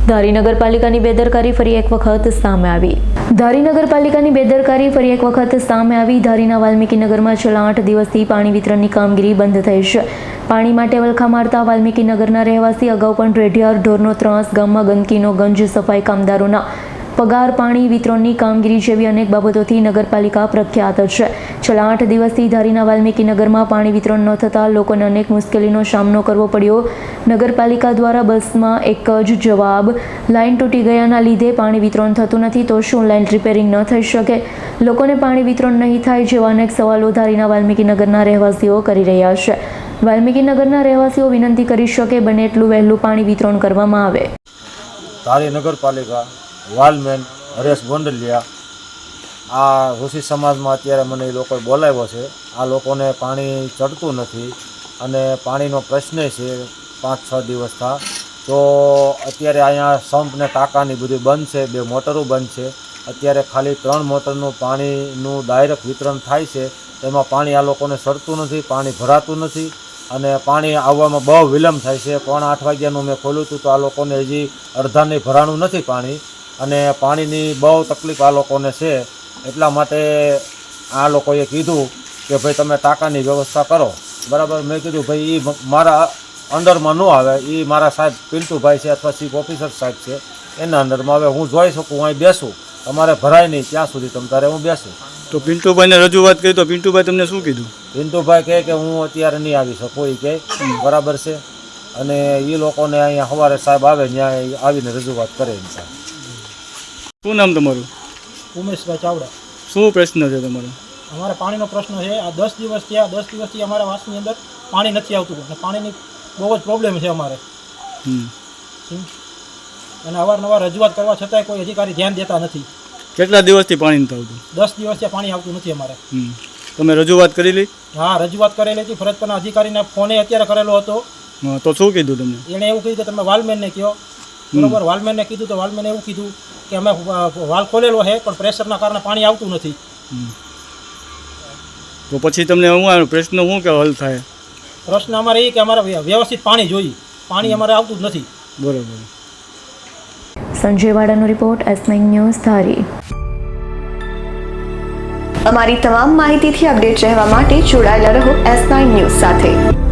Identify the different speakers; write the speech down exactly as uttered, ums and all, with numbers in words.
Speaker 1: ધારી નગરપાલિકાની બેદરકારી ફરી એક વખત સામે આવી ધારી નગરપાલિકાની બેદરકારી ફરી એક વખત સામે આવી ધારીના વાલ્મીકીનગરમાં છેલ્લા આઠ દિવસથી પાણી વિતરણની કામગીરી બંધ થઈ છે. પાણી માટે વલખા મારતા વાલ્મીકીનગરના રહેવાસી અગાઉ પણ રેઢિયાર ઢોરનો ત્રાસ, ગામમાં ગંદકીનો ગંજ, સફાઈ કામદારોના પગાર, પાણી વિતરણની કામગીરી જેવી અનેક બાબતોથી નગરપાલિકા પ્રખ્યાત છે. છેલ્લા આઠ દિવસથી ધારીના વાલ્મીકીનગરમાં પાણી વિતરણ ન થતાં લોકોને અનેક મુશ્કેલીનો સામનો કરવો પડ્યો. નગરપાલિકા દ્વારા બસમાં એક જ જવાબ, લાઇન તૂટી ગયાના લીધે પાણી વિતરણ થતું નથી, તો શું લાઇન રિપેરિંગ ન થઈ શકે? લોકોને પાણી વિતરણ નહીં થાય જેવા અનેક સવાલો ધારીના વાલ્મીકીનગરના રહેવાસીઓ કરી રહ્યા છે. વાલ્મીકીનગરના રહેવાસીઓ વિનંતી કરી શકે બને એટલું વહેલું પાણી વિતરણ કરવામાં આવે.
Speaker 2: ધારી નગરપાલિકા વાલમેન હરેશ ગોંડલિયા, આ ઋષિ સમાજમાં અત્યારે મને એ લોકોએ બોલાવ્યો છે. આ લોકોને પાણી ચડતું નથી અને પાણીનો પ્રશ્ન છે પાંચ છ દિવસ થા. તો અત્યારે અહીંયા સંપ ને ટાંકાની બધું બંધ છે, બે મોટરો બંધ છે. અત્યારે ખાલી ત્રણ મોટરનું પાણીનું ડાયરેક્ટ વિતરણ થાય છે. તેમાં પાણી આ લોકોને ચડતું નથી, પાણી ભરાતું નથી અને પાણી આવવામાં બહુ વિલંબ થાય છે. પોણા આઠ વાગ્યાનું મેં ખોલ્યું હતું તો આ લોકોને હજી અડધાને ભરાણું નથી પાણી અને પાણીની બહુ તકલીફ આ લોકોને છે. એટલા માટે આ લોકોએ કીધું કે ભાઈ તમે ટાંકાની વ્યવસ્થા કરો. બરાબર, મેં કીધું ભાઈ એ મારા અંડરમાં ન આવે, એ મારા સાહેબ પિન્ટુભાઈ છે અથવા ચીફ ઓફિસર સાહેબ છે, એના અંડરમાં હવે હું જોઈ શકું, હું અહીં બેસું, તમારે ભરાય નહીં ત્યાં સુધી તમ તારે હું બેસું.
Speaker 3: તો પિન્ટુભાઈને રજૂઆત કરી તો પિન્ટુભાઈ તમને શું કીધું?
Speaker 2: પિન્ટુભાઈ કહે કે હું અત્યારે નહીં આવી શકું, એ કહે બરાબર છે. અને એ લોકોને અહીંયા સવારે સાહેબ આવે ત્યાં આવીને રજૂઆત કરે.
Speaker 3: શું નામ તમારું?
Speaker 4: ઉમેશભાઈ ચાવડા.
Speaker 3: શું પ્રશ્ન છે તમારો?
Speaker 4: અમારે પાણીનો પ્રશ્ન છે. આ દસ દિવસ થયા, દસ દિવસથી અમારા વાસની અંદર પાણી નથી આવતું અને પાણીની બહુ જ પ્રોબ્લેમ છે અમારે. અને અવારનવાર રજૂઆત કરવા છતાંય કોઈ અધિકારી ધ્યાન દેતા નથી.
Speaker 3: કેટલા દિવસથી પાણી નથી આવતું?
Speaker 4: દસ દિવસથી પાણી આવતું નથી અમારે.
Speaker 3: તમે રજૂઆત કરેલી?
Speaker 4: હા, રજૂઆત કરેલી હતી. ફરજ પરના અધિકારીને ફોને અત્યારે કરેલો હતો.
Speaker 3: તો શું કીધું તમને?
Speaker 4: એણે એવું કીધું કે તમે વાલમેનને કહો. બરોબર, વાલમેનને કીધું તો વાલમેને એવું કીધું કે અમે વાલ ખોલેલો છે પણ પ્રેશરના કારણે પાણી આવતું નથી.
Speaker 3: તો પછી તમને શું પ્રશ્ન શું કે હલ થાય?
Speaker 4: પ્રશ્ન અમારે એ કે અમારે વ્યવસ્થિત પાણી જોઈએ. પાણી અમારે આવતું જ નથી.
Speaker 3: બરોબર.
Speaker 1: સંજય વાડાનો report, S nine news, Dhari.
Speaker 5: અમારી તમામ માહિતીથી અપડેટ રહેવા માટે જોડાયેલા રહો એસ નાઇન ન્યૂઝ સાથે.